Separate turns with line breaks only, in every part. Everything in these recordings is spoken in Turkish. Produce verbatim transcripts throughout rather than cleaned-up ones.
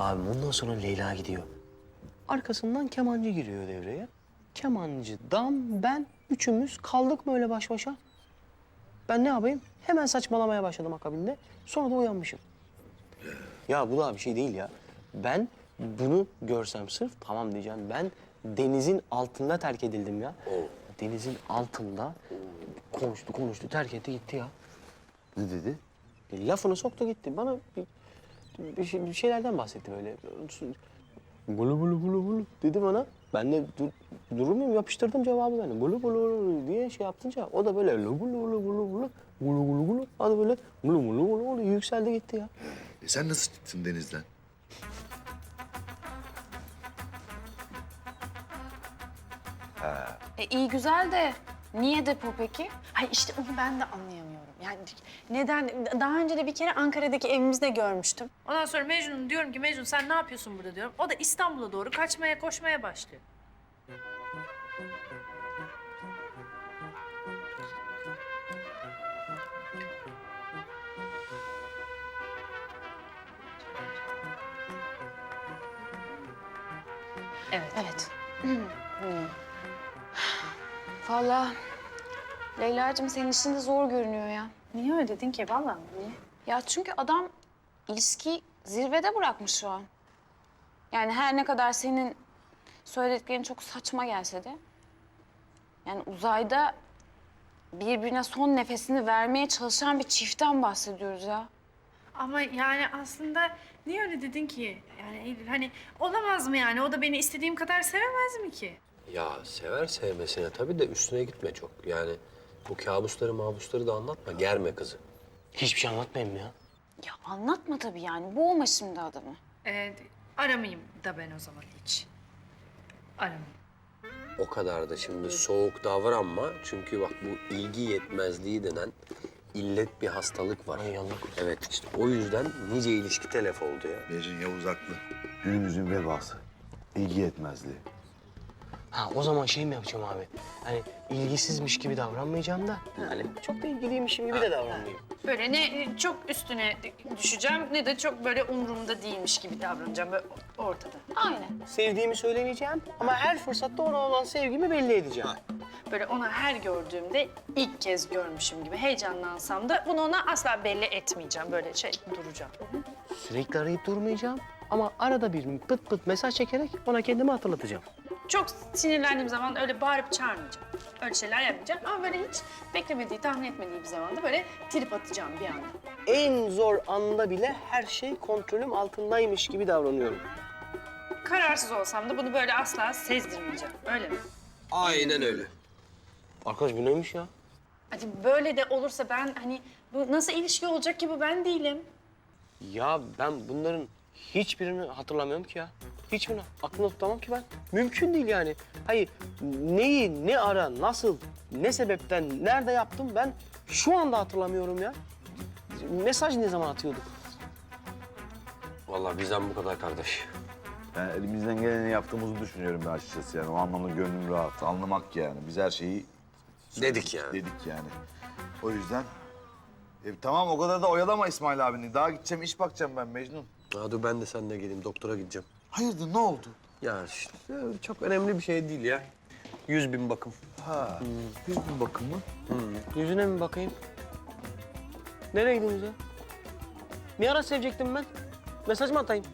Abi bundan sonra Leyla gidiyor. Arkasından kemancı giriyor devreye. Kemancı, dam, ben üçümüz kaldık böyle baş başa. Ben ne yapayım? Hemen saçmalamaya başladım akabinde. Sonra da uyanmışım. Ya bu da bir şey değil ya. Ben bunu görsem sırf tamam diyeceğim. Ben denizin altında terk edildim ya. Denizin altında konuştu konuştu terk etti gitti ya.
Ne dedi?
E, lafını soktu gitti. Bana bir, bir, şey- bir şeylerden bahsetti böyle. Bulu bulu bulu bulu dedi bana. Ben de dur, durur muyum? Yapıştırdım cevabı ben de. Bulu bulu bulu diye şey yaptınca o da böyle lu bulu bulu bulu bulu bulu bulu bulu adı böyle bulu bulu bulu bulu yükseldi gitti ya.
E sen nasıl çıktın denizden?
E, iyi güzel de niye depo peki? Hayır işte onu ben de anlayamıyorum. Yani neden? Daha önce de bir kere Ankara'daki evimizde görmüştüm.
Ondan sonra Mecnun diyorum ki Mecnun sen ne yapıyorsun burada diyorum. O da İstanbul'a doğru kaçmaya koşmaya başlıyor. Evet.
Evet. Vallahi Leyla'cığım senin işin de zor görünüyor ya.
Niye öyle dedin ki? Vallahi niye?
Ya çünkü adam ilişkiyi zirvede bırakmış şu an. Yani her ne kadar senin söylediklerin çok saçma gelse de... yani uzayda birbirine son nefesini vermeye çalışan bir çiftten bahsediyoruz ya.
Ama yani aslında niye öyle dedin ki? Yani Eylül hani olamaz mı yani? O da beni istediğim kadar sevemez mi ki?
Ya sever sevmesine tabii de üstüne gitme çok. Yani bu kabusları mabusları da anlatma, germe kızı.
Hiçbir şey anlatmayayım ya.
Ya anlatma tabii yani. Boğma şimdi adamı.
Ee, aramayayım da ben o zaman hiç. Aramayayım.
O kadar da şimdi soğuk davranma. Çünkü bak bu ilgi yetmezliği denen illet bir hastalık var.
Ay Allah.
Evet işte o yüzden nice ilişki telef oldu ya.
Mecnun Yavuz haklı. Günümüzün vebası. İlgi yetmezliği.
Ha o zaman şey mi yapacağım abi? Hani ilgisizmiş gibi davranmayacağım da hani çok da ilgiliymişim gibi de davranmayayım.
Böyle ne çok üstüne düşeceğim ne de çok böyle umurumda değilmiş gibi davranacağım böyle ortada.
Aynen.
Sevdiğimi söylemeyeceğim ama her fırsatta ona olan sevgimi belli edeceğim.
Böyle ona her gördüğümde ilk kez görmüşüm gibi heyecanlansam da bunu ona asla belli etmeyeceğim. Böyle şey duracağım.
Sürekli arayıp durmayacağım ama arada bir pıt pıt mesaj çekerek ona kendimi hatırlatacağım.
Çok sinirlendiğim zaman öyle bağırıp çağırmayacağım. Öyle şeyler yapmayacağım ama böyle hiç beklemediği, tahmin etmediği bir zamanda böyle trip atacağım bir anda.
En zor anda bile her şey kontrolüm altındaymış gibi davranıyorum.
Kararsız olsam da bunu böyle asla sezdirmeyeceğim. Öyle mi?
Aynen öyle.
Arkadaş bu neymiş ya?
Hadi böyle de olursa ben hani bu nasıl ilişki olacak ki bu ben değilim.
Ya ben bunların hiçbirini hatırlamıyorum ki ya. Hiçbirini aklımda tutamam ki ben. Mümkün değil yani. Hayır neyi, ne ara, nasıl, ne sebepten, nerede yaptım ben şu anda hatırlamıyorum ya. Mesaj ne zaman atıyorduk?
Vallahi bizden bu kadar kardeş.
Yani elimizden geleni yaptığımızı düşünüyorum ben açıkçası yani. O anlamda gönlüm rahat. Anlamak yani. Biz her şeyi
Dedik yani.
dedik yani. O yüzden... E, tamam o kadar da oyalama İsmail abini. Daha gideceğim, iş bakacağım ben Mecnun.
Ha, dur ben de seninle geleyim, doktora gideceğim.
Hayırdır, ne oldu?
Ya işte çok önemli bir şey değil ya. Yüz bin bakım.
Ha, yüz bin bakımı.
Yüzüne mi bakayım? Nereye gidiyorsunuz ya? Ne ara sevecektim ben? Mesaj mı atayım?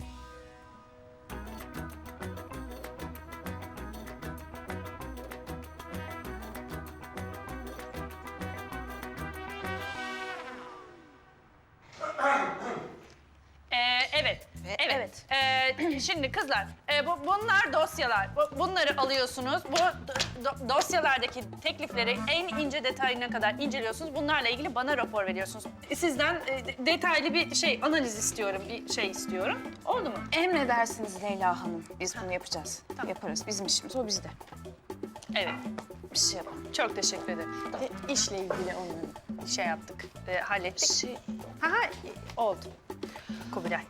Ee, evet. Evet. Ee, şimdi kızlar, e, bu, bunlar dosyalar. Bu- bunları alıyorsunuz. Bu do- do- dosyalardaki teklifleri en ince detayına kadar inceliyorsunuz. Bunlarla ilgili bana rapor veriyorsunuz. Sizden e, de- detaylı bir şey, analiz istiyorum, bir şey istiyorum. Oldu mu?
Emredersiniz Leyla Hanım. Biz bunu yapacağız. Yaparız. Bizim işimiz o bizde.
Evet.
Bir şey yapalım.
Çok teşekkür ederim. E, işle ilgili onları şey yaptık, e, hallettik.
Şey,
Ha, ha, e, oldu. Kubilay.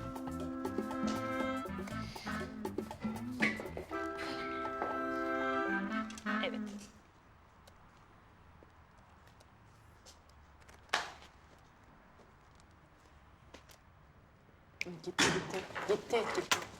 Evet.
Gitti gitti. Gitti gitti.